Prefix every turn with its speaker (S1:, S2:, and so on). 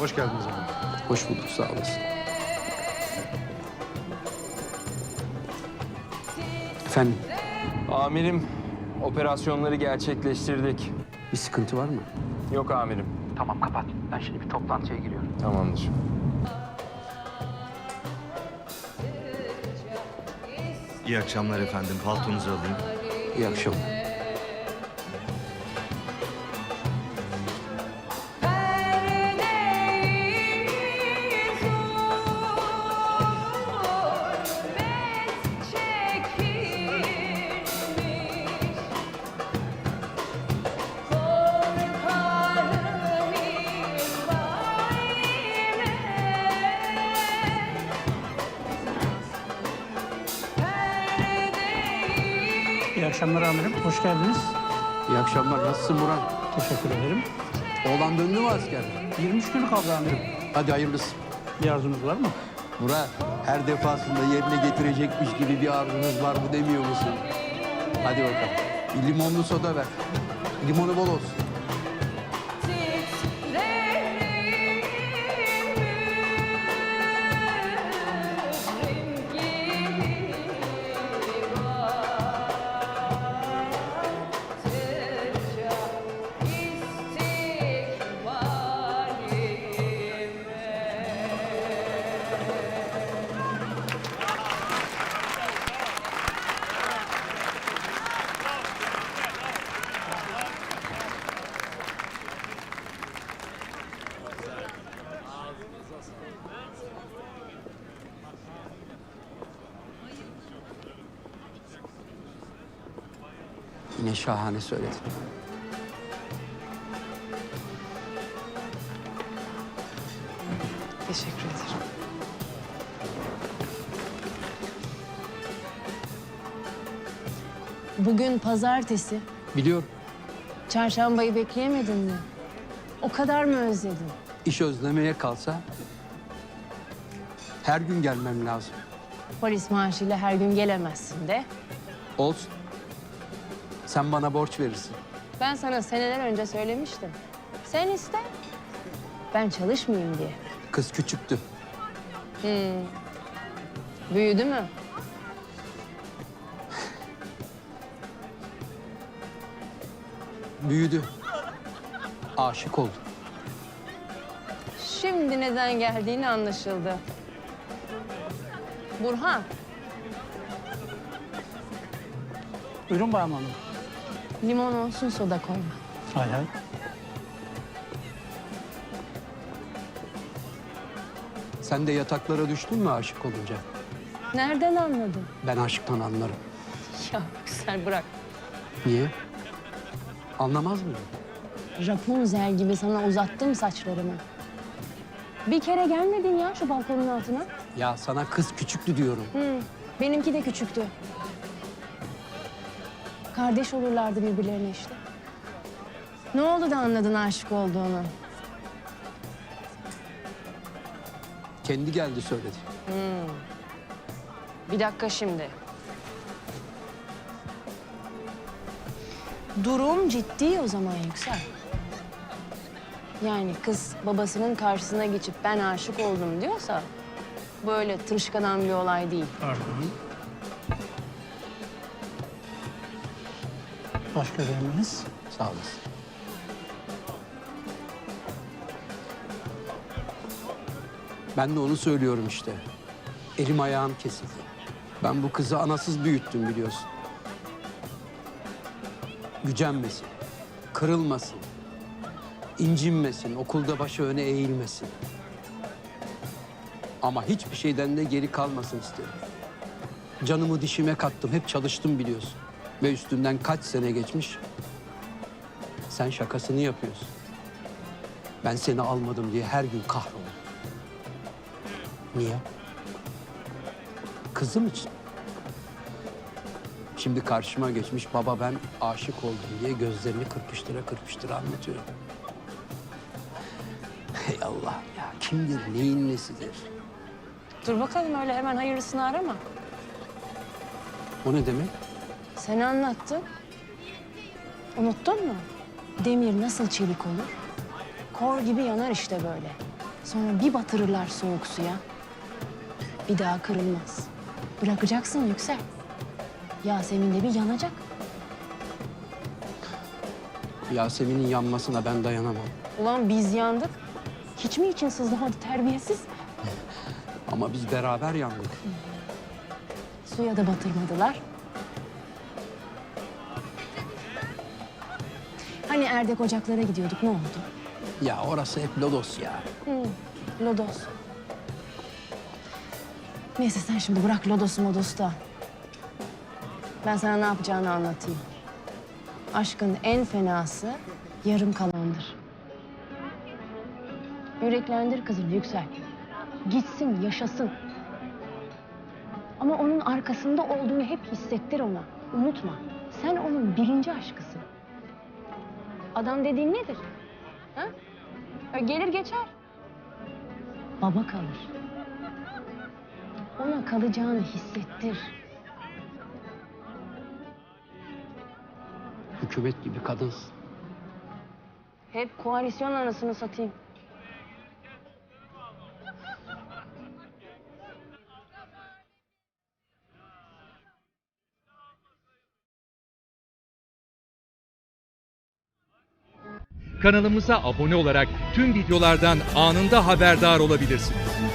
S1: Hoş geldiniz amirim.
S2: Hoş bulduk, sağ olasın. Efendim,
S3: Amirim, operasyonları gerçekleştirdik.
S2: bir sıkıntı var mı?
S3: Yok amirim.
S2: Tamam, kapat. Ben şimdi bir toplantıya giriyorum.
S3: Tamamdır.
S1: İyi akşamlar efendim. Paltonuzu alayım.
S2: İyi akşamlar.
S4: İyi akşamlar amirim. Hoş geldiniz.
S2: İyi akşamlar. Nasılsın Burhan?
S4: Teşekkür ederim.
S2: Oğlan döndü mü askerden?
S4: 23 gün kaldı amirim.
S2: Hadi hayırlısı.
S4: Bir arzunuz var mı?
S2: Burhan, her defasında yerine getirecekmiş gibi bir arzunuz var mı demiyor musun? Hadi bakalım. Bir limonlu soda ver. Limonu bol olsun. Yine şahane söyledin.
S5: Teşekkür ederim. Bugün pazartesi.
S2: Biliyorum,
S5: Çarşambayı bekleyemedin mi? O kadar mı özledin?
S2: iş özlemeye kalsa her gün gelmem lazım.
S5: Polis maaşıyla her gün gelemezsin de.
S2: Olsun. Sen bana borç verirsin.
S5: Ben sana seneler önce söylemiştim. Sen iste. Ben çalışmayayım diye.
S2: Kız küçüktü.
S5: Büyüdü mü?
S2: Büyüdü. Aşık oldu.
S5: Şimdi neden geldiğini anlaşıldı. Burhan,
S4: Buyurun Bağım Hanım.
S5: limon olsun soda koyma.
S4: Hay hay.
S2: Sen de yataklara düştün mü aşık olunca?
S5: Nereden anladın?
S2: Ben aşktan anlarım.
S5: Ya sen bırak.
S2: Niye? Anlamaz mıyım?
S5: Rapunzel gibi sana uzattım saçlarımı. Bir kere gelmedin ya şu balkonun altına.
S2: Ya sana kız küçüktü diyorum.
S5: Benimki de küçüktü. Kardeş olurlardı birbirlerine işte. Ne oldu da anladın aşık olduğunu?
S2: Kendi geldi söyledi.
S5: Bir dakika şimdi. Durum ciddi o zaman Yüksel. Yani kız babasının karşısına geçip ben aşık oldum diyorsa... ...böyle tırışkadan bir olay değil.
S4: Pardon. Başka bir emriniz?
S2: Sağ olasın. Ben de onu söylüyorum işte. Elim ayağım kesildi. Ben bu kızı anasız büyüttüm biliyorsun. Gücenmesin, kırılmasın, incinmesin, okulda başı öne eğilmesin. Ama hiçbir şeyden de geri kalmasın istedim. Canımı dişime kattım, hep çalıştım biliyorsun. Ve üstünden kaç sene geçmiş. Sen şakasını yapıyorsun. Ben seni almadım diye her gün kahroluyorum. Niye? Kızım için. Şimdi karşıma geçmiş baba ben aşık oldum diye gözlerini kırpıştıra kırpıştıra anlatıyor. Hey Allah ya kimdir, neyin nesidir?
S5: Dur bakalım öyle hemen hayırlısını arama.
S2: O ne demek?
S5: Sen anlattın. Unuttun mu? Demir nasıl çelik olur? Kor gibi yanar işte böyle. Sonra bir batırırlar soğuk suya. Bir daha kırılmaz. Bırakacaksın Yüksel. Yasemin de bir yanacak.
S2: Yasemin'in yanmasına ben dayanamam.
S5: Ulan biz yandık. Hiç mi için sızlamadı terbiyesiz?
S2: Ama biz beraber yandık.
S5: Suya da batırmadılar. Hani Erdek Ocaklar'a gidiyorduk, ne oldu?
S2: Ya orası hep lodos ya.
S5: Lodos. Neyse sen şimdi bırak Lodos'u Modos'u da. Ben sana ne yapacağını anlatayım. Aşkın en fenası yarım kalandır. Yüreklendir kızını Yüksel. Gitsin, yaşasın. Ama onun arkasında olduğunu hep hissettir ona. Unutma. Sen onun birinci aşkısın. Adam dediğin nedir? Ha? Gelir geçer. Baba kalır. Ona kalacağını hissettir.
S2: Hükümet gibi kadınsın.
S5: Hep koalisyon anasını satayım.
S6: Kanalımıza abone olarak tüm videolardan anında haberdar olabilirsiniz.